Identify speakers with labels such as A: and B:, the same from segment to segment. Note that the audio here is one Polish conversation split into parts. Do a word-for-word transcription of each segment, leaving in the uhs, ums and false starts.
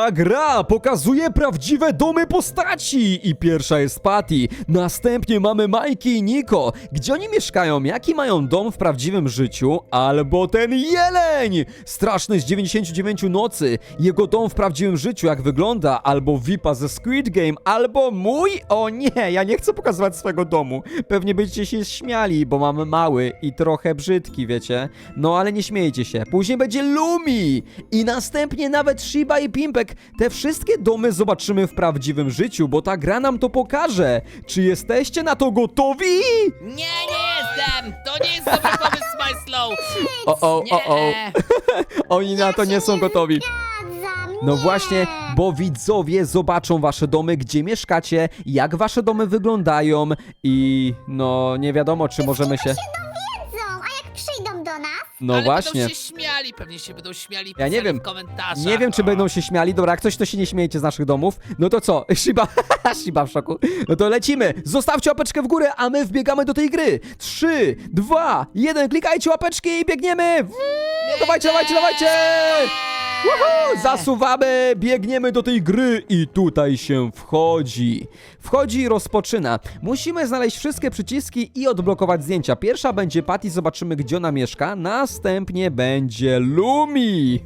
A: Ta gra pokazuje prawdziwe domy postaci i pierwsza jest Patty, następnie mamy Majki i Niko. Gdzie oni mieszkają? Jaki mają dom w prawdziwym życiu? Albo ten jeleń! Straszny z dziewięćdziesięciu dziewięciu nocy. Jego dom w prawdziwym życiu, jak wygląda? Albo V I P-a ze Squid Game, albo mój? O nie, ja nie chcę pokazywać swojego domu. Pewnie będziecie się śmiali, bo mam mały i trochę brzydki, wiecie? No ale nie śmiejcie się. Później będzie Lumi i następnie nawet Shiba i Pimpek. Te wszystkie domy zobaczymy w prawdziwym życiu, bo ta gra nam to pokaże. Czy jesteście na to gotowi?
B: Nie, nie jestem! To nie jest dobry pomysł, Smajslow!
A: O, o, o, o.
B: Nie.
A: Oni na to nie są gotowi.
C: Zgadzam,
A: No
C: nie.
A: właśnie, bo widzowie zobaczą wasze domy, gdzie mieszkacie, jak wasze domy wyglądają i no nie wiadomo, czy możemy się...
C: się dowiedzą, a jak przyjdą do nas?
A: No
B: Ale
A: właśnie.
B: będą się śmiali, pewnie się będą śmiali
A: Ja nie
B: pisali
A: wiem.
B: w komentarzach.
A: Nie wiem, czy
B: O.
A: będą się śmiali. Dobra, jak coś, to się nie śmiejecie z naszych domów. No to co? Shiba, Shiba w szoku. No to lecimy. Zostawcie łapeczkę w górę, a my wbiegamy do tej gry. Trzy, dwa, jeden. Klikajcie łapeczki i biegniemy. Dawajcie, dawajcie, dawajcie. Woohoo! Zasuwamy, biegniemy do tej gry i tutaj się wchodzi. Wchodzi i rozpoczyna. Musimy znaleźć wszystkie przyciski i odblokować zdjęcia. Pierwsza będzie Patty, zobaczymy, gdzie ona mieszka. Następnie będzie Lumi.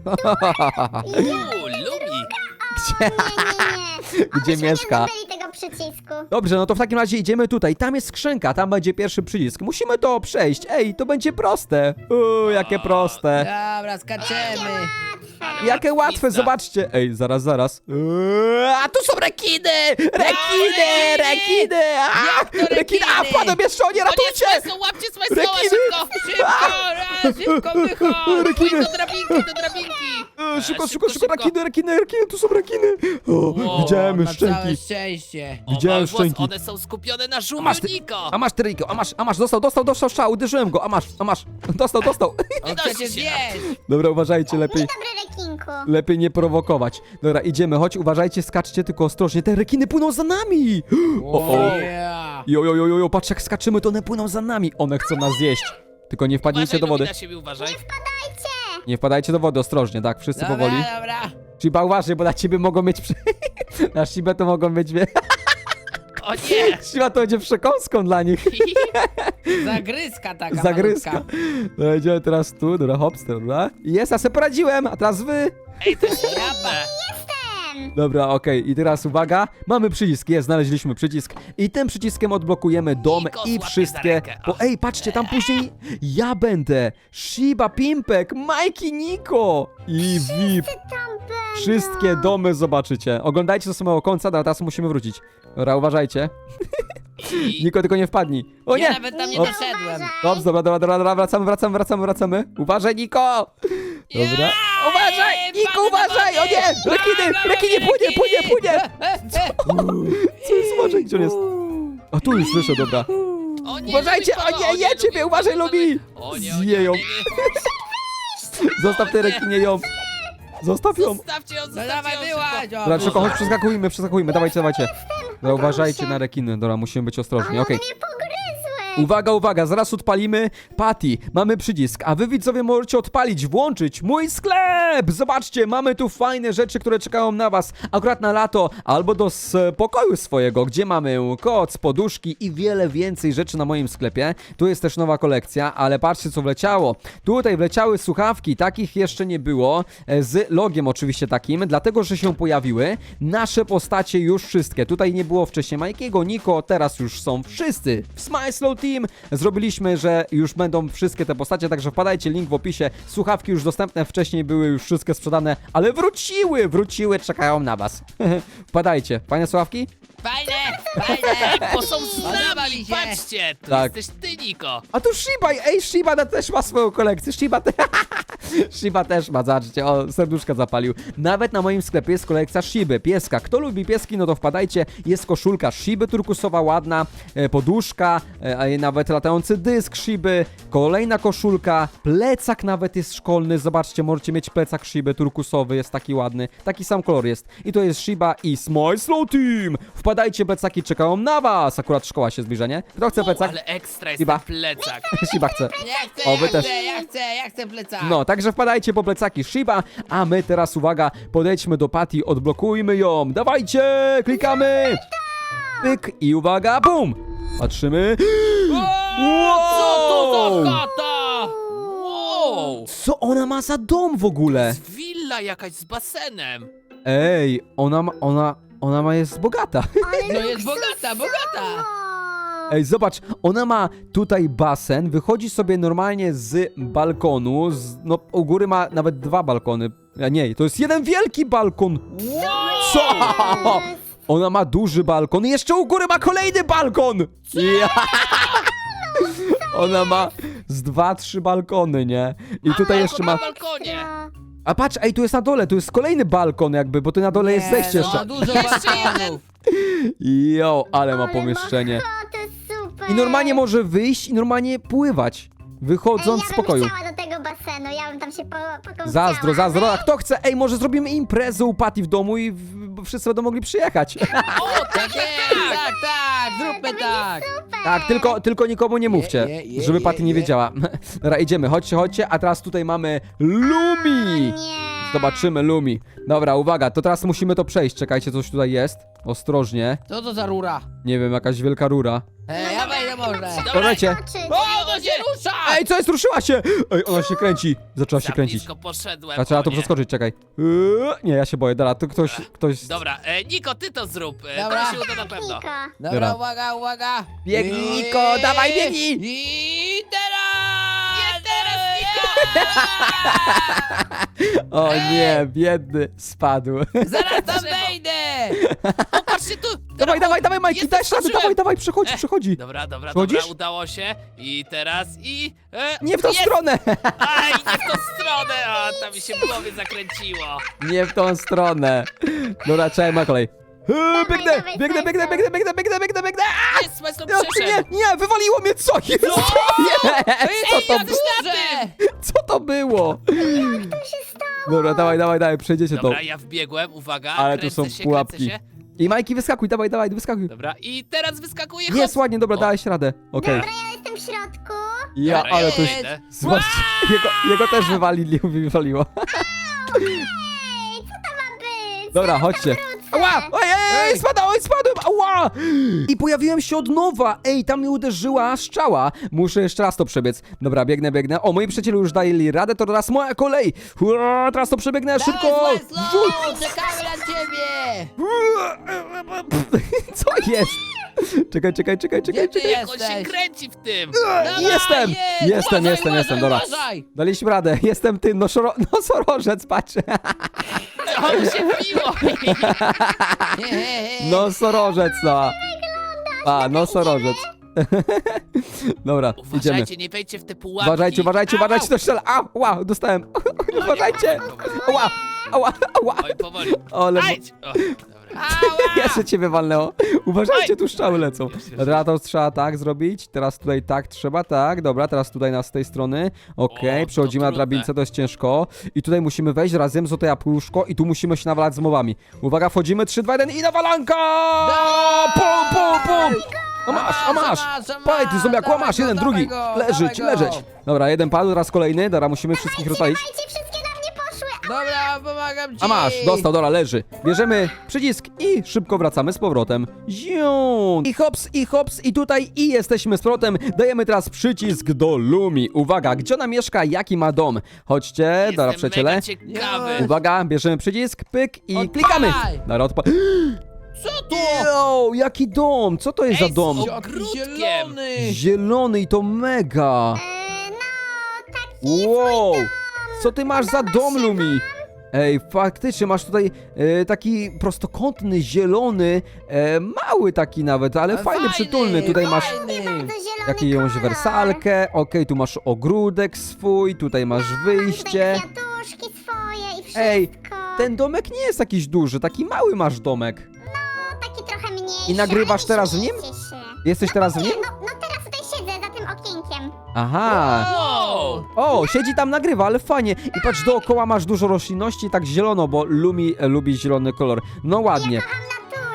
B: Uuu, Lumi!
C: Nie, nie, nie.
A: Gdzie
C: Obyśmy
A: mieszka?
C: nie zdobyli tego przycisku.
A: Dobrze, no to w takim razie idziemy tutaj. Tam jest skrzynka, tam będzie pierwszy przycisk. Musimy to przejść. Ej, to będzie proste. Uuu, jakie proste.
D: Dobra, skaczemy.
A: Jakie łatwe,
B: łatwizna.
A: zobaczcie. Ej, zaraz, zaraz. Eee, a tu są rekiny! Rekiny, rekiny! A,
D: Jak to
A: rekiny! A,
D: rekiny?
A: wpadłem jeszcze, o nie,
B: O nie,
A: ratujcie!
B: Smajslow, łapcie Smajslowa,
A: Rekiny!
B: szybko!
D: Szybko, raz, szybko wychodź.
A: Rekiny!
B: Do drabinki, do drabinki!
A: Eee, szybko,
B: E,
A: szybko, szybko, rekiny, rekiny, rekiny, tu są rekiny! O,
B: Wow,
A: widziałem
D: Na całe
A: szczęki.
D: szczęście.
B: O,
A: Widziałem
B: mały włos,
A: szczęki.
B: one są skupione na
A: A
B: żółwiu
A: masz ty,
B: Niko!
A: a masz ty, Riko, a masz, a masz, dostał, dostał, dostał strzał, uderzyłem go, a masz, a masz, dostał, dostał.
D: On
B: dość
D: chce cię
B: się.
D: zjeść.
A: Dobra, uważajcie, lepiej.
C: Dobry rekinku.
A: Lepiej nie prowokować. Dobra, idziemy, chodź, uważajcie, skaczcie, tylko ostrożnie. Te rekiny płyną za nami! O, o.
D: Yeah.
A: Jo, jo, jo, jo, jo, patrz jak skaczymy, to one płyną za nami. One chcą nas zjeść. Tylko nie wpadnijcie
B: Uważaj,
A: do wody.
B: Lumi, na siebie uważaj.
C: Dajcie.
A: Nie wpadajcie do wody, ostrożnie, tak, wszyscy
D: Dobra,
A: powoli.
D: dobra.
A: Shiba, uważaj, bo na ciebie mogą mieć... Prze... na Shibę to mogą mieć...
B: O nie!
A: Shiba to będzie przekąską dla nich.
D: Zagryzka taka
A: Zagryzka.
D: malutka.
A: Dobra, idziemy teraz tu, dobra, hops, dobra. Jest, ja sobie poradziłem, a teraz wy.
B: Ej, to jest trudne!
C: Jestem.
A: Dobra, okej, i teraz uwaga, mamy przycisk, jest, znaleźliśmy przycisk i tym przyciskiem odblokujemy dom
B: Niko,
A: i
B: złapie za
A: wszystkie...
B: rękę.
A: Bo ej, patrzcie, tam później ja będę, Shiba, Pimpek, Majki, Niko i V I P.
C: Tam będą.
A: Wszystkie domy zobaczycie. Oglądajcie do samego końca, dobra, teraz musimy wrócić. Dobra, uważajcie.
B: I...
A: Niko, tylko nie wpadnij. O
D: Ja
A: nie!
D: nawet tam nie
A: O,
D: doszedłem.
A: Dobrze, dobra, dobra, dobra, dobra, wracamy, wracamy, wracamy, wracamy. Uważaj, Niko! Dobra.
D: Ja!
A: Uważaj! Niko, uważaj! O nie! Rekiny! Rekiny, płynie, płynie, płynie!
D: E, e.
A: Co jest? Uważaj, gdzie on jest? A tu już słyszę, dobra.
B: O nie,
A: Uważajcie,
B: Lumi,
A: o nie, je
B: Lumi,
A: ciebie, uważaj, Lumi!
B: O nie, o nie,
A: Zje ją.
B: o nie, nie.
A: Zostaw te rekinie ją. Zostaw ją.
B: Zostawcie ją,
D: No
B: zostawcie
D: dawaj,
B: ją
D: wyłaź.
B: szybko.
D: o,
A: Dobra, szybko, chodź,
D: wyłaź.
A: przeskakujmy, przeskakujmy, dawajcie, dawajcie. Dobra, uważajcie na rekiny, dobra, musimy być ostrożni, okej.
C: One mnie pogryzły.
A: Uwaga, uwaga, zaraz odpalimy Patty. Mamy przycisk, a wy widzowie możecie odpalić, włączyć mój sklep. Zobaczcie, mamy tu fajne rzeczy, które czekają na was akurat na lato albo do s- pokoju swojego, gdzie mamy koc, poduszki i wiele więcej rzeczy na moim sklepie. Tu jest też nowa kolekcja, ale patrzcie co wleciało. Tutaj wleciały słuchawki, takich jeszcze nie było, e, z logiem oczywiście takim, dlatego że się pojawiły nasze postacie już wszystkie. Tutaj nie było wcześniej Majkiego, Niko, teraz już są wszyscy w Smajslow Team. Zrobiliśmy, że już będą wszystkie te postacie, także wpadajcie, link w opisie. Słuchawki już dostępne, wcześniej były już wszystkie sprzedane, ale wróciły, wróciły, czekają na was. Wpadajcie. Fajne słuchawki?
D: Fajne, fajne.
B: Bo są z
D: Podoba
B: nami,
D: mi się.
B: patrzcie! Tu
A: Tak.
B: jesteś ty, Niko!
A: A tu Shiba, ej, Shiba na- też ma swoją kolekcję. Shiba, te... Shiba też ma, zobaczcie, o, serduszka zapalił. Nawet na moim sklepie jest kolekcja Shiby, pieska. Kto lubi pieski, no to wpadajcie. Jest koszulka Shiby turkusowa, ładna, e, poduszka, e, a nawet latający dysk Shiby, kolejna koszulka, plecak nawet jest szkolny, zobaczcie, możecie mieć plecak Shiby turkusowy, jest taki ładny, taki sam kolor jest. I to jest Shiba i Smajslow Team. Wpadajcie, plecaki czekają na was. Akurat szkoła się zbliża, nie? Kto chce plecak?
B: Ale ekstra jest
A: Shiba.
B: ten plecak.
A: Shiba chce.
D: Ja chcę,
A: O, wy
D: ja
A: też.
D: chcę, ja chcę, ja chcę plecak.
A: No, tak także wpadajcie po plecaki Shiba, a my teraz, uwaga, podejdźmy do Patty, odblokujmy ją. Dawajcie, klikamy. Pyk i uwaga, bum. Patrzymy.
B: Co to
A: Wow!
B: za chata? Wow!
A: Co ona ma za dom w ogóle?
B: Willa jakaś z basenem.
A: Ej, ona ma, ona, ona ma jest bogata.
C: Ale
D: No jest bogata, bogata.
C: o,
A: Ej, zobacz, ona ma tutaj basen, wychodzi sobie normalnie z balkonu, z, no u góry ma nawet dwa balkony. A nie, to jest jeden wielki balkon. Co? Ona ma duży balkon i jeszcze u góry ma kolejny balkon. Ja. Ona ma z dwa, trzy balkony, nie? I tutaj jeszcze
B: na
A: ma...
B: balkonie.
A: A patrz, ej, tu jest na dole, tu jest kolejny balkon jakby, bo tu na dole jest
D: Nie,
A: zejście
D: no,
A: jeszcze.
D: dużo
B: Jeszcze
D: balkonów.
A: Jo, ale ma
C: ale
A: pomieszczenie.
C: Ma, to jest super.
A: I normalnie może wyjść i normalnie pływać, wychodząc
C: Ej,
A: z
C: ja
A: pokoju.
C: bym chciała do tego basenu, ja bym tam się po, pokąpiała.
A: Zazdro, zazdro, a kto chce? Ej, może zrobimy imprezę u Patty w domu i w, bo wszyscy będą mogli przyjechać.
B: O, tak,
D: Tak jest, tak, tak, zróbmy tak.
A: Tak, tylko, tylko nikomu nie mówcie,
D: Je, je, je,
A: żeby Patty
D: je,
A: nie
D: je.
A: wiedziała. Dobra, idziemy, chodźcie, chodźcie, a teraz tutaj mamy Lumi.
C: Nie.
A: Zobaczymy Lumi. Dobra, uwaga, to teraz musimy to przejść. Czekajcie, coś tutaj jest. Ostrożnie.
D: Co to za rura?
A: Nie wiem, jakaś wielka rura.
D: Ej, ja wejdę może.
B: Dobra.
A: Uważajcie.
C: Skoczyć.
D: O, to się rusza!
A: Ej, co jest? Ruszyła się! Ej, ona się kręci. Zaczęła się
B: Za
A: kręcić.
B: blisko poszedłem.
A: A trzeba
B: o
A: to
B: nie.
A: przeskoczyć, czekaj. Eee, Nie, ja się boję, dobra, to ktoś, ktoś...
B: Dobra, e, Niko, ty to zrób. E,
D: Dobra.
B: to się uda na pewno.
C: Niko.
D: Dobra,
A: Dobra.
D: uwaga, uwaga.
A: Biegnij,
D: I-
A: Niko, dawaj, biegnij.
D: I teraz!
B: Nie teraz, Niko!
A: O nie, biedny, spadł.
D: Zaraz tam
B: Drzewo.
D: wejdę!
B: O, patrzcie tu!
A: Dawaj, dawaj, dawaj, Majki,
B: Jestem,
A: daj radę,
B: skoczyłem.
A: dawaj, dawaj, przechodzi,
B: E,
A: przechodzi.
B: Dobra, dobra,
A: Chodzisz?
B: dobra, udało się. I teraz i... E,
A: Nie w tą
B: jest.
A: stronę!
B: Aj, nie w tą stronę! A, tam mi się w głowie zakręciło.
A: Nie w tą stronę. Dobra, czekaj, ma kolej. Eee, Biegnę,
C: dawaj,
A: biegnę, biegnę,
C: Majko.
A: biegnę, biegnę, biegnę, biegnę, biegnę. A!
B: Jest, Majstro
A: No,
B: przeszedł.
A: nie, nie, wywaliło mnie, co jest? Co jest? Co to,
B: jak
A: było?
D: Duże!
A: Co to było?
C: Co się stało?
A: Dobra, dawaj, dawaj, dawaj, przejdziecie to.
B: Dobra, ja wbiegłem, uwaga,
A: Ale tu
B: kręcę
A: są
B: się,
A: pułapki.
B: kręcę się.
A: I Majki, wyskakuj, dawaj, dawaj, wyskakuj.
B: Dobra, i teraz wyskakuje
A: Jest
B: hop.
A: ładnie, dobra,
B: O.
A: dałeś radę. Okej.
C: Dobra, ja jestem w środku.
A: Ja,
B: Dobra,
A: ale
B: ja
A: to...
B: idę.
A: Zobaczcie, jego, jego też wywalili, wywaliło.
C: Ej, co to ma być?
A: Dobra, chodźcie. Ała! Ojej,
D: Ej!
A: spadałem, spadłem! Ała! I pojawiłem się od nowa! Ej, tam mi uderzyła strzała. Muszę jeszcze raz to przebiec. Dobra, biegnę, biegnę. O, moi przyjaciele już dali radę, to teraz moja kolej. Ua, teraz to przebiegnę szybko!
D: Dawaj,
A: Wrzuć!
D: Smajslow, czekamy na ciebie!
A: Co jest? Czekaj, czekaj, czekaj, czekaj,
D: Gdzie ty
A: czekaj.
B: Jak on się
D: jesteś?
B: kręci w tym.
D: Dawaj,
A: Jestem!
D: jedź!
A: Jestem,
D: Uważaj,
A: jestem, jestem,
D: uważaj,
A: dobra.
D: uważaj.
A: Daliśmy radę, jestem ty, nosoro, nosorożec, patrz.
B: O, mi się wbiło.
D: He, he, he.
A: Nosorożec, no. A, nosorożec. Dobra, idziemy.
B: Uważajcie, nie wejdźcie w te pułapki.
A: Uważajcie, uważajcie,
B: Au,
A: uważajcie, to strzela. A, ła, dostałem. Uważajcie. Ła, ła, ła.
B: Oj, powoli.
A: Ale...
B: Ajdź. O, dobra.
D: Ała!
A: Jeszcze ciebie walnęło. Uważajcie,
B: Oj.
A: tu strzały lecą.
B: Już, już.
A: Dobra, to trzeba tak zrobić. Teraz tutaj tak trzeba, tak. Dobra, teraz tutaj nas z tej strony. Okej,
B: O, to
A: przechodzimy na
B: trudne.
A: drabince, to jest ciężko. I tutaj musimy wejść razem z oto jabłuszko i tu musimy się nawalać z mowami. Uwaga, wchodzimy, trzy, dwa, jeden i nawalanka! Pum, pum, pum! A masz, a masz!
D: Masz, a masz,
A: Paj, ty zombiaku, a
D: dawaj
A: masz,
D: go,
A: jeden,
D: dawaj
A: drugi.
D: go,
A: Leżeć,
D: dawaj go.
A: leżeć. Dobra, jeden padł, teraz kolejny. Dobra, musimy wszystkich rozwalić.
C: Dawajcie, wszystkie na mnie poszły.
D: Dobra, pomagam ci!
A: A masz, dostał, dobra, leży. Bierzemy przycisk i szybko wracamy z powrotem. Ziu! I hops, i hops, i tutaj, i jesteśmy z powrotem. Dajemy teraz przycisk do Lumi. Uwaga, gdzie ona mieszka, jaki ma dom? Chodźcie, dobra,
B: Jestem
A: przyjaciele.
B: mega ciekawy.
D: Już.
A: Uwaga, bierzemy przycisk, pyk i
D: Odpalaj!
A: klikamy. Dobra, odpa...
D: Co to?
A: Yo, jaki dom? Co to jest za
B: Ej,
A: dom?
B: o-
D: Jaki
B: ogródkiem.
D: zielony!
A: Zielony i to mega.
C: E, no, taki
A: Wow!
C: swój dom.
A: Co ty masz za dom, Lumi? Ej, faktycznie masz tutaj e, taki prostokątny, zielony, e, mały taki nawet, ale
D: Ale
A: fajny,
D: fajny,
A: przytulny. Tutaj masz
D: fajny.
C: Bardzo zielony
A: jakąś
C: kolor.
A: wersalkę, okej, tu masz ogródek swój, tutaj masz wyjście.
C: Tutaj kwiatuszki swoje i wszystko.
A: Ej, ten domek nie jest jakiś duży, taki mały masz domek.
C: No, taki trochę mniejszy.
A: I nagrywasz
C: ale
A: teraz w nim?
C: śmiejcie się.
A: Jesteś teraz w nim?
C: No, no teraz tutaj siedzę za tym okienkiem.
A: Aha.
B: Wow.
A: O, siedzi tam, nagrywa, ale fajnie. I patrz, dookoła masz dużo roślinności, tak zielono, bo Lumi e, lubi zielony kolor. No ładnie.
C: Kocham naturę.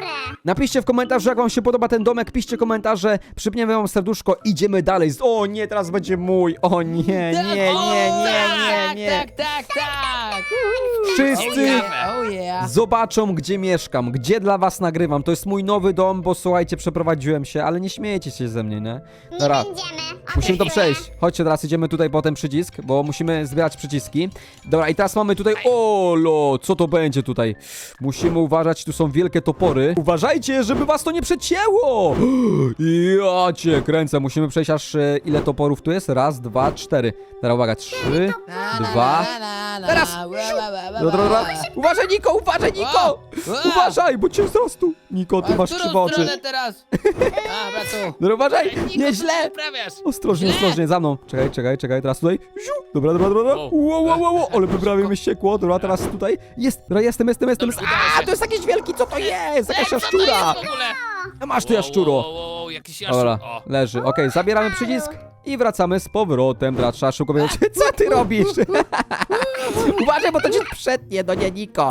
A: Napiszcie w komentarzu, jak wam się podoba ten domek, piszcie komentarze, przypniemy wam serduszko, idziemy dalej. O nie, teraz będzie mój. O nie, nie, nie, nie, nie, nie.
D: Tak, tak, tak, tak.
A: Wszyscy
D: Oh yeah.
A: zobaczą, gdzie mieszkam, gdzie dla was nagrywam. To jest mój nowy dom, bo słuchajcie, przeprowadziłem się, ale nie śmiejecie się ze mnie, nie?
C: Nie
A: Dobra,
C: będziemy.
A: musimy to
C: Obiecuję.
A: przejść. Chodźcie, teraz idziemy tutaj po ten przycisk, bo musimy zbierać przyciski. Dobra, i teraz mamy tutaj... Olo, co to będzie tutaj? Musimy uważać, tu są wielkie topory. Uważajcie, żeby was to nie przecięło! Ja cię kręcę, musimy przejść aż... e, Ile toporów tu jest? Raz, dwa, cztery. Teraz uwaga, trzy, dwa... Teraz! Dobra, dobra. Uważaj, Niko, uważaj, Niko!
D: O! O!
A: Uważaj, bo cię wzrostu. Niko, ty
D: A
A: masz
D: w którą
A: krzywe oczy.
D: stronę teraz? A, bratu.
A: Dobra, uważaj,
B: Niko, co
A: nieźle!
B: ty wyprawiasz?
A: Ostrożnie,
D: Źle.
A: ostrożnie, za mną. Czekaj, czekaj, czekaj, teraz tutaj. Ziu. Dobra, dobra, dobra, dobra.
B: Wow.
A: Wow, wow, wow, wow. Ale prawie mi ściekło. Dobra, teraz tutaj. Jest, dobra, jestem, jestem, jestem.
B: Dobra,
A: A,
B: udało się.
A: to jest jakiś wielki, co to jest? Jakaś
B: Ej, co to
A: jaszczura.
B: jest w ogóle?
A: A masz tu
B: Wow,
A: jaszczuro.
B: wow, wow, wow, jakiś jaszczur.
A: Dobra,
B: O.
A: leży. Okej, zabieramy przycisk i wracamy z powrotem. Teraz trzeba szybko wiedzieć, co ty robisz? Uważaj, bo to cię przetnie, no nie, Niko.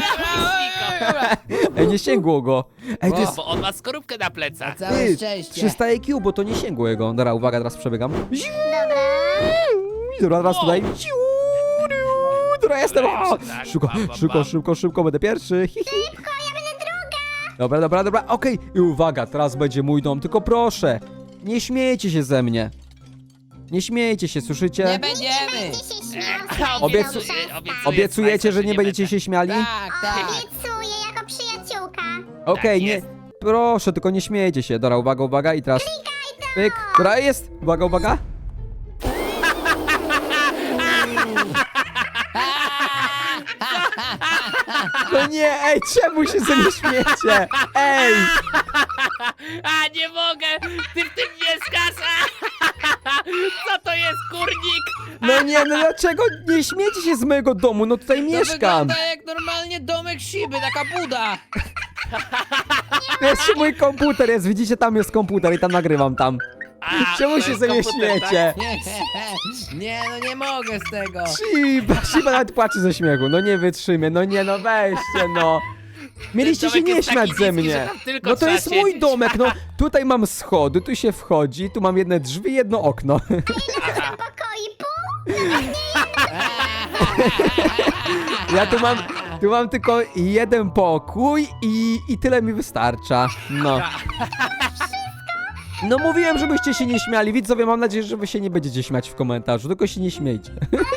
A: Ej, nie sięgło go. Ej, to
D: O.
A: jest...
B: Bo on ma skorupkę na
D: Na
B: plecach.
D: całe
A: Ty,
D: szczęście.
A: trzysta I Q, bo to nie sięgło jego. Dobra, uwaga, teraz przebiegam. Ziu.
C: Dobra.
A: Dobra, teraz
B: Wow.
A: tutaj. Ziu, ziu. Dobra, jestem. O!
B: Tak,
A: Szybko,
B: bam, bam,
A: szybko,
B: bam.
A: szybko, szybko, będę pierwszy. Hi, hi. Dobra, dobra, dobra, okej. I uwaga, teraz będzie mój dom, tylko proszę, nie śmiejcie się ze mnie. Nie śmiejcie się,
D: Nie
A: słyszycie?
D: będziemy.
C: Będzie się śmiał.
B: Obiecu-
A: Obiecu-
B: obiecuję
A: Obiecujecie,
B: Smajsa,
A: że nie będziecie
B: będę.
A: się śmiali?
D: Tak, tak.
C: Obiecuję jako przyjaciółka.
A: Okej, nie.
B: jest.
A: Proszę, tylko nie śmiejcie się. Dobra, uwaga, uwaga i teraz... Pyk. Dobra, jest. Uwaga, uwaga. No nie, ej, czemu się ze mnie śmiecie? Ej!
B: A, nie mogę! Ty w tym mieszkasz! Co to jest, kurnik?
A: No nie, no dlaczego nie śmiecie się z mojego domu? No tutaj
D: To
A: mieszkam.
D: wygląda jak normalnie domek Shiby, taka buda.
A: Jeszcze mój komputer jest, widzicie, tam jest komputer i tam nagrywam tam.
B: A,
A: Czemu
B: to
A: się
B: jest
A: ze mnie
B: komputer, tak?
A: śmiecie?
D: Nie, nie, no nie mogę z tego.
A: Shiba, Shiba nawet płacze ze śmiechu, no nie wytrzymie, no nie, no weźcie, no. Mieliście się
B: domek
A: nie
B: jest taki
A: śmiać ze
B: niski, że
A: mnie.
B: tam tylko
A: No to
B: trzeba
A: jest mój
B: siedzieć.
A: domek, no. Tutaj mam schody, tu się wchodzi, tu mam jedne drzwi, jedno okno.
C: Pokoi pół.
A: Ja tu mam, tu mam tylko jeden pokój i, i tyle mi wystarcza. No. No mówiłem, żebyście się nie śmiali. Widzowie, mam nadzieję, że wy się nie będziecie śmiać w komentarzu, tylko się nie śmiejcie.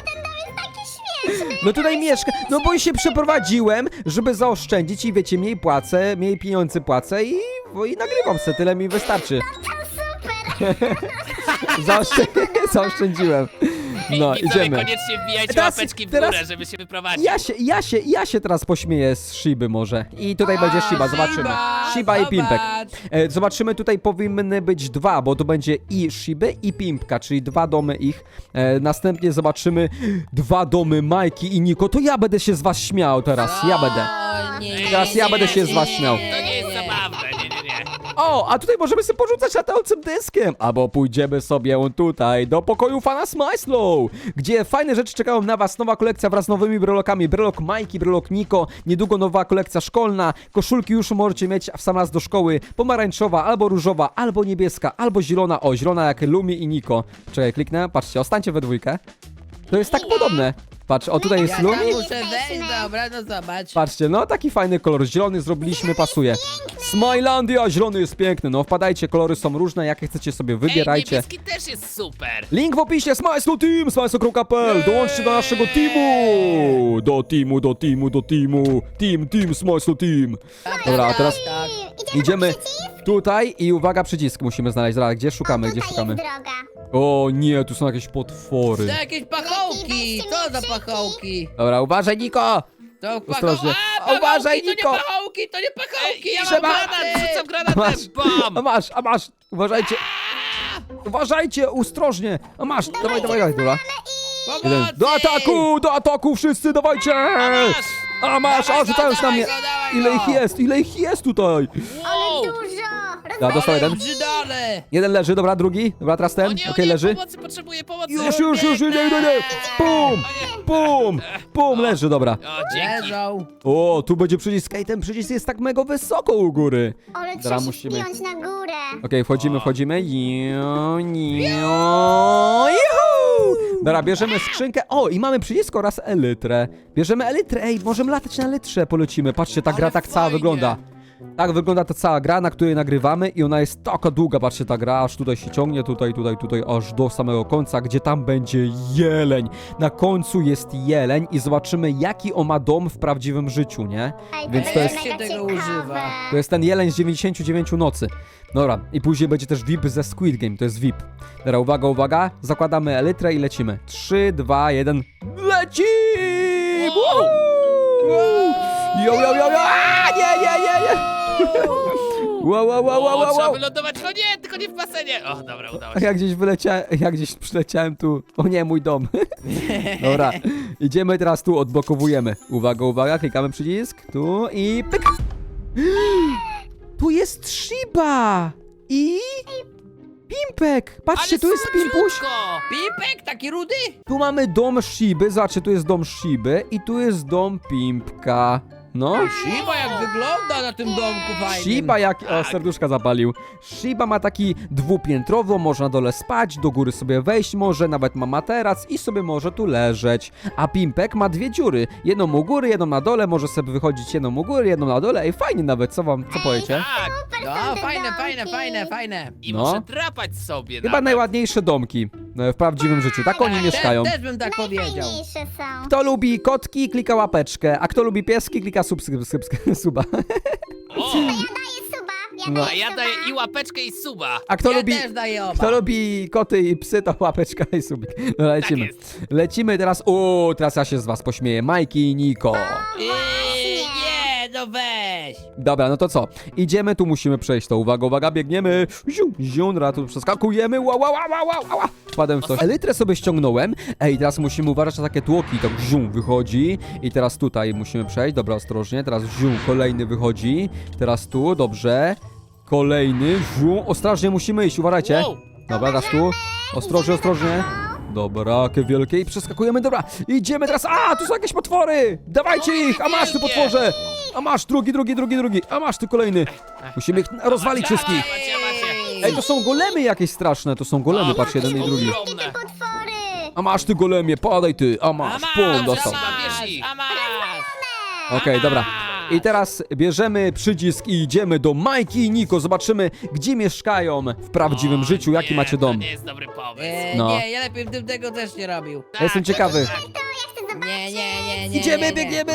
A: No tutaj mieszka, no bo się przeprowadziłem, żeby zaoszczędzić i wiecie, mniej płacę, mniej pieniędzy płacę i, i nagrywam se, tyle mi wystarczy.
C: Super.
A: Zaoszczę zaoszczędziłem. No,
B: Widzowie,
A: idziemy.
B: koniecznie wbijajcie
A: Teraz-
B: łapeczki w
A: teraz-
B: górę, żeby się wyprowadzić.
A: Ja się, ja się, ja się teraz pośmieję z Shiby może. I tutaj będzie Shiba, zobaczymy. Shiba i Pimpek. E, zobaczymy, tutaj powinny być dwa, bo to będzie i Shiby i Pimpka, czyli dwa domy ich. E, następnie zobaczymy dwa domy Majki i Niko. To ja będę się z was śmiał teraz, ja będę.
D: O, nie, nie,
A: Teraz
D: nie,
A: ja
D: nie,
A: będę się
D: nie,
A: z was
D: nie,
A: śmiał.
D: nie,
B: To nie jest
D: nie.
B: zabawne, nie, nie, nie.
A: O, a tutaj możemy sobie porzucać latającym dyskiem. Albo pójdziemy sobie tutaj do pokoju Fana Smajslow, gdzie fajne rzeczy czekają na was. Nowa kolekcja wraz z nowymi brelokami. Brelok Majki, brelok Niko. Niedługo nowa kolekcja szkolna. Koszulki już możecie mieć w sam raz do szkoły. Pomarańczowa, albo różowa, albo niebieska, albo zielona. O, zielona jak Lumi i Niko. Czekaj, kliknę. Patrzcie, ostańcie we dwójkę. To jest tak podobne. Patrz, o tutaj jest
D: Ja
A: Lumi.
D: tam muszę wejść, dobra, no zobacz.
A: Patrzcie, no taki fajny kolor, zielony zrobiliśmy, pasuje. Smilandia, zielony jest piękny, no wpadajcie, kolory są różne, jakie chcecie sobie
B: Ej,
A: wybierajcie.
B: niebieski też jest super.
A: Link w opisie, Smajslow Team, smajslow kropka p l, dołączcie do naszego teamu! Do teamu, do teamu, do teamu, team, team, Smajslow Team.
D: Tak,
A: Dobra, a
D: tak,
A: teraz
D: tak.
A: idziemy tutaj i uwaga, przycisk musimy znaleźć, dobra, gdzie szukamy, gdzie
C: Tutaj
A: szukamy?
C: jest droga.
A: O nie, tu są jakieś potwory.
D: To jakieś pachołki, co za pachołki?
A: Dobra, uważaj, Niko!
D: To
A: Ostrożnie.
D: A,
A: Uważaj,
D: pachołki,
A: Niko!
D: To nie pachołki, to nie pachołki, ja mam
A: Trzeba-
D: granaty!
B: Rzucam
A: A masz,
B: granatem,
A: a
B: bam!
A: masz, a masz, uważajcie. Uważajcie, ostrożnie. A masz, dawaj, dawaj, dawaj, dobra. Jeden.
D: Pomocy!
A: Do ataku, do ataku wszyscy, dawajcie!
B: masz!
A: A masz,
D: Dawaj
A: a
D: go,
A: rzucają się na
D: dawaj
A: mnie.
D: go, dawaj
A: Ile
D: go.
A: ich jest, ile ich jest tutaj?
B: Wow!
C: Dużo.
A: Ja dostał
D: Ale
A: jeden.
D: brzydaki! dole.
A: Jeden leży, dobra, drugi. Dobra, teraz
B: O
A: ten.
B: nie, o
A: Okej,
B: nie,
A: leży.
B: pomocy, potrzebuję pomocy.
A: Już, już, już, idę, idę, idę. Pum, pum, pum, leży, dobra.
B: O, dzięki.
D: Leżą.
A: O, tu będzie przycisk. Ej, ten przycisk jest tak mega wysoko u góry.
C: Ale
A: Dobra,
C: trzeba się
A: musimy-
C: wpiąć na górę.
A: Okej, wchodzimy, wchodzimy. Jo, jo, juhu! Dobra, bierzemy skrzynkę. O, i mamy przycisk oraz elytrę. Bierzemy elytrę. Ej, możemy latać na elytrze, polecimy. Patrzcie, ta gra
B: Ale
A: tak cała
B: fajnie.
A: wygląda. Tak wygląda ta cała gra, na której nagrywamy i ona jest taka długa, patrzcie, ta gra aż tutaj się ciągnie, tutaj, tutaj, tutaj, aż do samego końca, gdzie tam będzie jeleń. Na końcu jest jeleń i zobaczymy, jaki on ma dom w prawdziwym życiu, nie?
C: Ej,
A: Więc
C: to
A: to
C: jest
A: jest-
C: mega
D: się tego
C: ciekawe.
D: używa.
A: To jest ten jeleń z dziewięćdziesięciu dziewięciu nocy. Dobra, i później będzie też V I P ze Squid Game, to jest V I P. Dobra, uwaga, uwaga, zakładamy elytrę i lecimy. trzy, dwa, jeden, leci!
B: Wow!
A: Jo, jo, jo, jo! A, nie, nie, nie, nie! Wow, wow, wow, wow,
B: O,
A: wow,
B: trzeba
A: wow.
B: wylądować. No nie, tylko nie w basenie. O, dobra, udało się.
A: Jak gdzieś wyleciałem, jak gdzieś przyleciałem tu, o nie, mój dom. Dobra, idziemy teraz tu, odblokowujemy. Uwaga, uwaga, klikamy przycisk, tu i pyk! Tu jest Shiba! I... Pimpek! Patrzcie,
B: Ale
A: tu jest Pimpuś!
B: słodko.
D: Pipek, taki rudy?
A: Tu mamy dom Shiby, zobaczcie, tu jest dom Shiby i tu jest dom Pimpka. No.
D: Shiba jak wygląda na tym domku fajnym.
A: Shiba jak... O, serduszka zapalił. Shiba ma taki dwupiętrowo, można na dole spać, do góry sobie wejść może, nawet ma materac i sobie może tu leżeć. A Pimpek ma dwie dziury. Jedną u góry, jedną na dole, może sobie wychodzić jedną u góry, jedną na dole. Ej, fajnie nawet, co wam, co powiecie?
B: Tak.
D: No,
C: te
D: fajne,
C: domki.
D: fajne, fajne, fajne.
B: I
A: No.
B: muszę drapać sobie
A: Chyba
B: nawet.
A: najładniejsze domki e, w prawdziwym życiu, tak oni
D: Tak,
A: mieszkają.
D: Też, też bym tak powiedział.
C: Najfajniejsze są.
A: Kto lubi kotki, klika łapeczkę, a kto lubi pieski, klika sub, sub, sub, sub, suba.
B: O,
C: Ja daję suba. Ja
A: No.
B: a
C: daję
B: ja
C: suba.
B: daję i łapeczkę i suba.
A: A kto
D: Ja
A: lubi...
D: też daję oba.
A: Kto lubi koty i psy, to łapeczka i subik. No
B: Tak
A: lecimy.
B: jest.
A: Lecimy teraz. O, teraz ja się z was pośmieję. Majki i Niko.
D: Eee, nie, no weź.
A: Dobra, no to co? Idziemy, tu musimy przejść to. Uwaga, uwaga, biegniemy. Ziu, ziu, dobra, tu przeskakujemy. Wow, wow, wow, wow, wow. Wpadłem w to. Elytrę sobie ściągnąłem. Ej, teraz musimy uważać na takie tłoki. Tak ziu, wychodzi. I teraz tutaj musimy przejść. Dobra, ostrożnie. Teraz ziu, kolejny wychodzi. Teraz tu, dobrze. Kolejny, ziu. Ostrożnie musimy iść, uważajcie.
B: Wow.
A: Dobra, teraz tu. Ostrożnie, ostrożnie. Dobra, jakie wielkie i przeskakujemy, dobra, idziemy teraz, a, tu są jakieś potwory, dawajcie
B: No,
A: ich, a masz ty
B: wielkie.
A: potworze, a masz drugi, drugi, drugi, drugi, a masz ty kolejny, musimy ich rozwalić wszystkich.
B: Macie, macie.
A: Ej, to są golemy jakieś straszne, to są golemy,
B: O,
A: patrz, jeden i drugi.
B: ogromne.
C: Te potwory.
A: A masz ty golemie, padaj ty, a
D: A
A: masz,
D: masz,
A: pum,
D: a
A: dostał.
B: Bierz
D: masz,
B: ich.
D: a masz.
A: Okej, dobra. I teraz bierzemy przycisk i idziemy do Majki i Niko, zobaczymy, gdzie mieszkają w prawdziwym
B: O,
A: życiu, jaki
B: nie,
A: macie dom.
B: To nie jest dobry pomysł.
D: Eee,
A: No.
D: Nie, ja lepiej bym tego też nie robił.
B: Tak,
A: Ja jestem ciekawy.
B: tak.
C: To ja chcę zobaczyć.
D: Nie, nie, nie, nie.
A: Idziemy,
D: nie, nie.
A: biegniemy!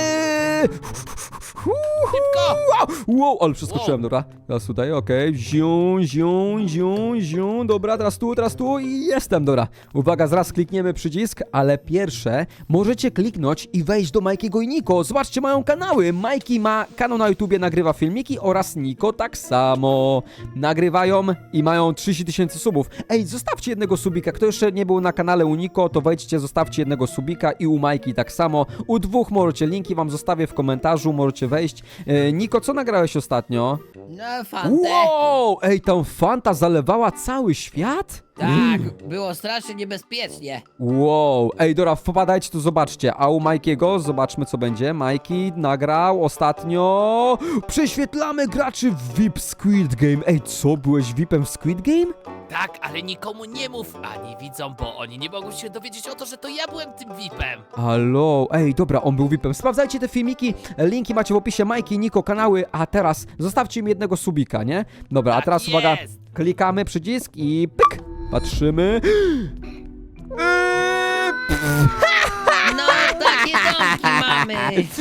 B: Szybko.
A: Wow, wow, ale przeskoczyłem, dobra. Teraz tutaj, okej. Ziu, ziu, ziu, ziu. Dobra, teraz tu, teraz tu i jestem, dobra. Uwaga, zaraz klikniemy przycisk, ale pierwsze możecie kliknąć i wejść do Majkiego i Niko. Zobaczcie, mają kanały. Majki ma kanał na YouTubie, nagrywa filmiki oraz Niko tak samo. Nagrywają i mają trzydzieści tysięcy subów. Ej, zostawcie jednego subika. Kto jeszcze nie był na kanale u Niko, to wejdźcie, zostawcie jednego subika i u Majki tak samo. U dwóch możecie, linki wam zostawię w komentarzu, możecie wejść. E, Niko, co nagrałeś ostatnio?
D: No, fantę.
A: Wow! Ej, tam Fanta zalewała cały świat?
D: Tak, było strasznie niebezpiecznie.
A: Wow, ej, dobra, wpadajcie tu, zobaczcie. A u Majkiego, zobaczmy co będzie. Majki nagrał ostatnio. Prześwietlamy graczy w V I P Squid Game. Ej, co, byłeś V I P-em w Squid Game?
B: Tak, ale nikomu nie mów, ani widzom, bo oni nie mogą się dowiedzieć o to, że to ja byłem tym V I P-em.
A: Halo, ej, dobra, on był V I P-em. Sprawdzajcie te filmiki, linki macie w opisie. Majki, Niko, kanały, a teraz zostawcie mi jednego subika, nie? Dobra, a
B: Tak
A: teraz uwaga,
B: jest.
A: klikamy przycisk i pyk, patrzymy. Eee,
D: No, takie domki mamy.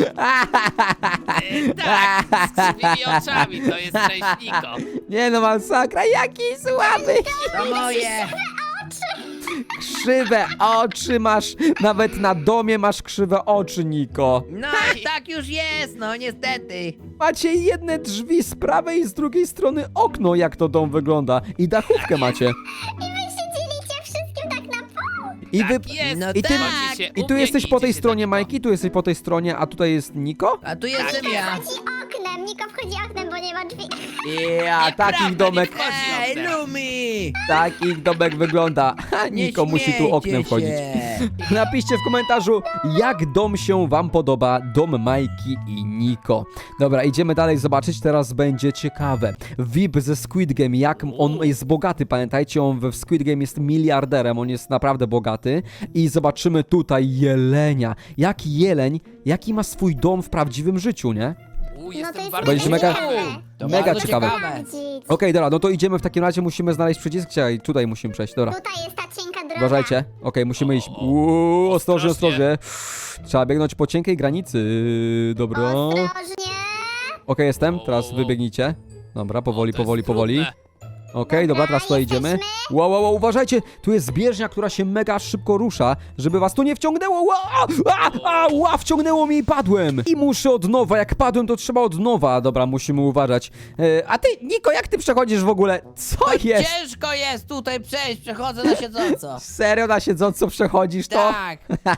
B: E, tak, z krzywymi oczami, to jest część Niko.
A: Nie no, masakra, jaki słaby!
D: To moje.
A: Krzywe oczy masz, nawet na domie masz krzywe oczy, Niko.
D: No, tak już jest, no niestety.
A: Macie jedne drzwi z prawej i z drugiej strony okno, jak to dom wygląda. I dachówkę macie.
C: I wy się dzielicie wszystkim tak na pół.
A: I wy...
B: Tak jest.
D: No
A: I ty,
D: tak.
B: Chodzi się
A: I
B: u
A: tu
B: mnie
A: jesteś
B: i
A: po tej
B: idzie się
A: stronie,
B: tak,
A: Majki, tu jesteś po tej stronie, a tutaj jest Niko?
D: A tu jestem
B: Tak
D: ja.
C: Chodzi oknem. oknem. Niko wchodzi oknem, bo nie ma drzwi.
A: Ja,
B: Nieprawda,
A: takich domek,
B: nie wchodzi
D: Ej,
B: oknem.
D: Lumi!
A: takich domek wygląda.
D: Nie
A: Niko musi tu
D: śmiejcie
A: oknem wchodzić.
D: się.
A: Napiszcie w komentarzu, jak dom się wam podoba, dom Majki i Niko. Dobra, idziemy dalej zobaczyć, teraz będzie ciekawe. V I P ze Squid Game, jak on jest bogaty, pamiętajcie, on w Squid Game jest miliarderem, on jest naprawdę bogaty. I zobaczymy tutaj jelenia. Jaki jeleń, jaki ma swój dom w prawdziwym życiu, nie?
B: U,
C: No to
B: jestem
C: jest
B: bardzo
A: Będzie mega-
B: ciekawy.
D: To
A: Mega
D: bardzo
A: ciekawe.
C: Sprawdzić.
A: Okej, dobra, no to idziemy w takim razie, musimy znaleźć przycisk, Czekaj, tutaj musimy przejść, dobra.
C: Tutaj jest ta cienka droga.
A: Uważajcie. Okej, musimy iść. Uuu, ostrożnie, ostrożnie. Trzeba biegnąć po cienkiej granicy. Dobra. Okej,
C: Ostrożnie.
A: jestem. Teraz wybiegnijcie. Dobra, powoli,
B: O, to jest
A: powoli, powoli.
B: trudne.
A: Okej, dobra, teraz tutaj idziemy.
C: jesteśmy.
A: Wow, wow, wow, uważajcie. Tu jest zbieżnia, która się mega szybko rusza, żeby was tu nie wciągnęło. Wow, a, a, a, wciągnęło mnie i padłem. I muszę od nowa. Jak padłem, to trzeba od nowa. Dobra, musimy uważać. E, a ty, Niko, jak ty przechodzisz w ogóle? Co jest?
D: Ciężko jest tutaj przejść, przechodzę na siedząco.
A: Serio na siedząco przechodzisz to?
D: Tak.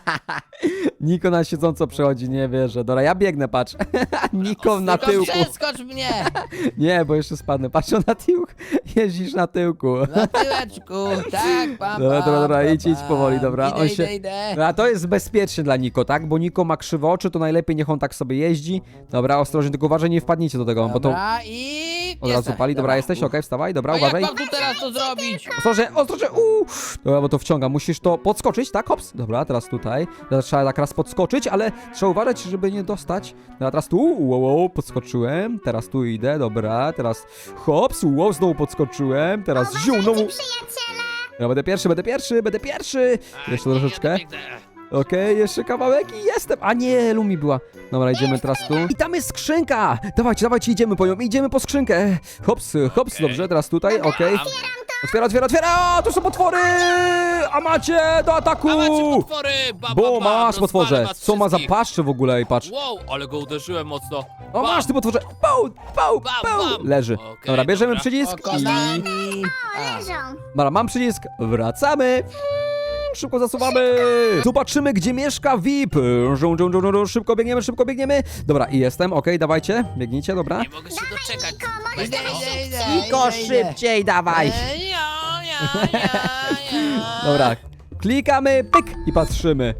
A: Niko na siedząco przechodzi, nie wierzę. Dobra, ja biegnę, patrz. Niko na
D: Tylko
A: tyłku.
D: przeskocz mnie.
A: Nie, bo jeszcze spadnę. Patrz, on na tyłku. Jeździsz na tyłku.
D: Na tyłeczku. Tak, pam,
A: Dobra, dobra, dobra,
D: pam,
A: idź, idź
D: pam.
A: powoli, dobra.
D: Idę,
A: On
D: idę,
A: się-
D: idę.
A: A to jest bezpiecznie dla Niko, tak? Bo Niko ma krzywe oczy, to najlepiej niech on tak sobie jeździ. Dobra, ostrożnie, tylko uważaj, nie wpadnijcie do tego, bo to
D: Dobra, i...
A: od razu
D: jestem.
A: pali. Dobra, jesteś, okej, wstawaj, dobra,
D: A jak
A: uważaj.
D: mam tu teraz to zrobić?
A: Ostrożnie, ostrożnie, uuu. Dobra, bo to wciąga, musisz to podskoczyć, tak? Hops. Dobra, teraz tutaj. Teraz trzeba tak raz podskoczyć, ale trzeba uważać, żeby nie dostać. Dobra, teraz tu, wow, wow, podskoczyłem. Teraz tu idę, dobra, teraz hops, wow, znowu podskoczyłem. Teraz ziu, znowu.
C: Przyjaciele.
A: Ja będę pierwszy, będę pierwszy, będę pierwszy.
B: A,
A: Jeszcze
B: nie,
A: troszeczkę.
B: ja biegnę.
A: Okej, jeszcze kawałek i jestem. A nie, Lumi była. Dobra, idziemy teraz tu. I tam jest skrzynka. Dawajcie, dawajcie, idziemy po nią. Idziemy po skrzynkę. Hops, hops,
B: Okej.
A: dobrze, teraz tutaj, okej. Otwiera, otwiera, otwiera! O, tu są potwory! A macie, do ataku!
B: A macie potwory! Ba, ba,
A: Bo
B: ba,
A: masz
B: rozwalę
A: potworze.
B: was
A: Co ma za
B: wszystkich.
A: paszcze w ogóle i patrz.
B: Wow, ale go uderzyłem mocno.
A: O,
B: Bam.
A: masz ty potworze. Pał, pał,
B: Bam,
A: pał.
B: bam.
A: Leży.
B: Okej,
A: Dobra, bierzemy
B: dobra.
A: przycisk i...
D: Pokonani. A.
C: Leżą.
A: Dobra, mam przycisk. Wracamy. Szybko zasuwamy! Zobaczymy, gdzie mieszka V I P! Żą, żą, żą, żą, żą. Szybko biegniemy, szybko biegniemy! Dobra, i jestem, okej, dawajcie, biegnijcie, dobra.
B: Nie mogę się doczekać.
C: Niko, możesz
D: Idę,
C: teraz
D: idę, idę.
A: Niko,
D: idę, idę.
A: szybciej dawaj!
B: Ej, ja, ja, ja, ja.
A: Dobra, klikamy, pyk i patrzymy.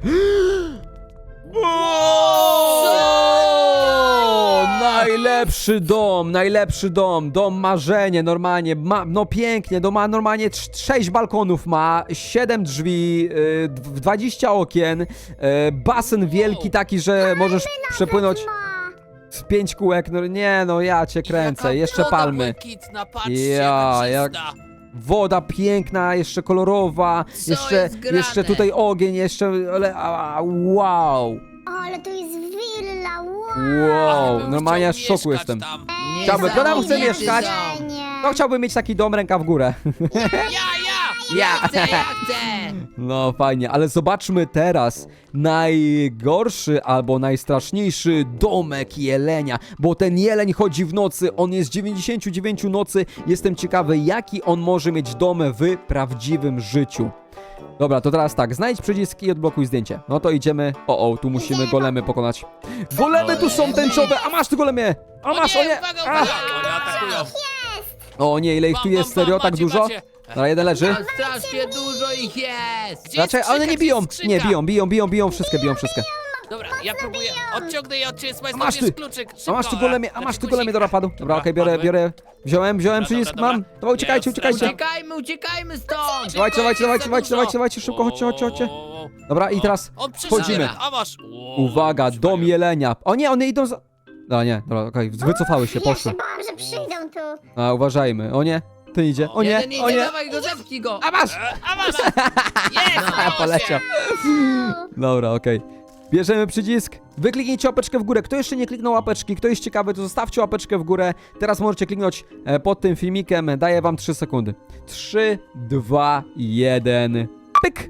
A: O, najlepszy dom, najlepszy dom, dom marzenie, normalnie, ma, no pięknie, dom ma normalnie trz- sześć balkonów ma, siedem drzwi, yy, dw- dwadzieścia okien, yy, basen wielki taki, że możesz przepłynąć
C: ma.
A: z pięć kółek, no nie no, ja cię kręcę,
B: Jaka
A: jeszcze
B: woda
A: palmy.
B: błękitna, patrzcie,
A: Ja,
B: jaka
A: jak-
B: czysta.
A: Woda piękna, jeszcze kolorowa,
D: Co
A: jeszcze,
D: jest grane?
A: jeszcze tutaj ogień, jeszcze, ale, a, wow,
C: O, ale tu jest willa, wow.
A: wow,
B: Bym
A: normalnie aż w
B: chciał
A: szoku
B: mieszkać
A: jestem.
B: Tam.
C: Ej,
A: Chciałby, kto tam chce
C: niesamowite
A: mieszkać?
C: jedzenie.
A: No chciałbym mieć taki dom, ręka w górę.
B: Ja, ja!
D: Ja chcę, ja chcę.
A: No fajnie, ale zobaczmy teraz najgorszy albo najstraszniejszy domek jelenia, bo ten jeleń chodzi w nocy, on jest dziewięćdziesiąt dziewięć nocy, jestem ciekawy jaki on może mieć dom w prawdziwym życiu. Dobra, to teraz tak, znajdź przycisk i odblokuj zdjęcie. No to idziemy, o o, tu musimy golemy pokonać. Golemy tu są tęczowe, a masz ty golemie! A
B: O
A: masz, o nie!
B: uwaga,
A: A!
B: uwaga! Oni atakują.
A: O nie, ile ich tu
B: Bam,
A: jest,
B: bam, bam,
A: serio, tak
B: macie,
A: dużo?
B: macie.
A: Dobra, jeden leży.
D: No, strasznie dużo ich jest.
B: Gdzie jest
A: Raczej, ale
B: skrzynka,
A: nie
B: gdzie
A: biją,
B: jest skrzynka?
A: nie biją, biją, biją, biją, wszystkie, biją wszystkie.
B: Dobra, ja próbuję, odciągnę je od ciebie, słuchaj,
A: A masz
B: znowu
A: ty.
B: jest kluczyk.
A: A masz tu
B: Szybko,
A: golemie, a
B: e,
A: masz tu
B: znaczy
A: golemie, dobra, padł. Dobra, okej, biorę,
B: padły.
A: biorę. Wziąłem, wziąłem
B: Dobra,
A: przycisk,
B: dobra,
A: mam.
B: dobra.
A: Dobra, uciekajcie,
B: Jest,
A: uciekajcie.
B: dobra.
D: Uciekajmy, uciekajmy stąd.
A: Dawajcie, dawajcie,
B: Za
A: dawajcie, dawajcie,
B: dużo.
A: dawajcie, dawajcie, szybko, chodźcie, chodźcie, chodźcie.
B: O,
A: Dobra, i teraz
B: On przeszedł,
A: wchodzimy.
B: a masz. O,
A: Uwaga,
B: już
A: dom
B: mają.
A: jelenia. O nie, one idą za... A nie, dobra, okej, wycofały się,
C: Ja się
A: poszły.
C: bałam, że przyjdą tu.
A: A, uważajmy, o nie, ty idzie, o nie,
D: Jeden
A: o
D: idzie,
A: nie.
D: dawaj go, zepchnij go.
A: A masz!
B: E, A masz! Jest!
A: A, poleciał. Dobra, okej. Bierzemy przycisk, wykliknijcie łapeczkę w górę. Kto jeszcze nie kliknął łapeczki, kto jest ciekawy, to zostawcie łapeczkę w górę. Teraz możecie kliknąć e, pod tym filmikiem, daję wam trzy sekundy. trzy, dwa, jeden, pyk!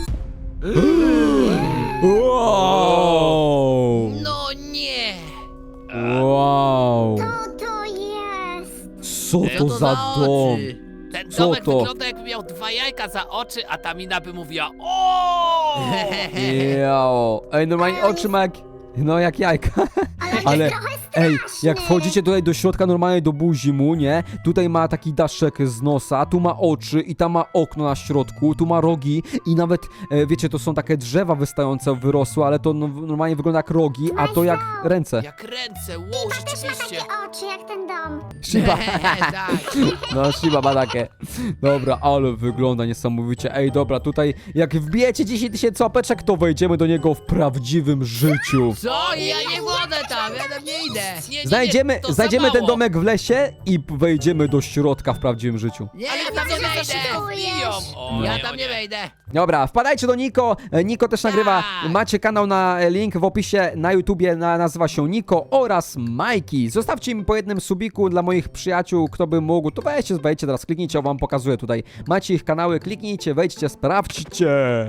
A: Wow!
D: No nie.
A: Wow!
C: Co to jest?
A: Co to
D: to
A: za
D: za
A: dom?
D: oczy?
B: Ten
A: Co
B: domek
A: to?
B: wygląda jakby miał dwa jajka za oczy, a ta mina by mówiła o.
A: Jao. Ej, normalnie oczy ma jak... No jak jajka.
C: Ale,
A: Ale-
C: jest trochę
A: Ej, jak wchodzicie tutaj do środka normalnie do buzi mu, nie? Tutaj ma taki daszek z nosa, tu ma oczy i tam ma okno na środku, tu ma rogi i nawet, e, wiecie, to są takie drzewa wystające, wyrosły, ale to no, normalnie wygląda jak rogi, a to jak ręce.
B: Jak ręce, wow,
C: Też ma
B: rzeczywiście.
C: takie oczy jak ten dom.
A: Shiba.
D: tak.
A: No, Shiba ma takie. Dobra, ale wygląda niesamowicie. Ej, dobra, tutaj jak wbijecie dziesięć tysięcy łapeczek, to wejdziemy do niego w prawdziwym życiu.
D: Co? Ja nie wchodzę tam, ja tam nie idę.
B: Nie, nie, nie,
A: Znajdziemy,
B: to za
A: znajdziemy ten
B: mało.
A: domek w lesie i wejdziemy do środka w prawdziwym życiu.
D: Nie,
B: Ale
D: ja tam nie
B: widzowie za
D: wejdę.
B: szybko wbiją. O,
D: Ja
B: nie, o
D: tam nie wejdę.
A: Dobra, wpadajcie do Niko. E, Niko też nagrywa.
D: Tak.
A: Macie kanał na e, link w opisie na YouTubie, na, nazywa się Niko oraz Majki. Zostawcie mi po jednym subiku dla moich przyjaciół, kto by mógł. To weźcie, wejdźcie teraz, kliknijcie, wam pokazuję tutaj. Macie ich kanały, kliknijcie, wejdźcie, sprawdźcie.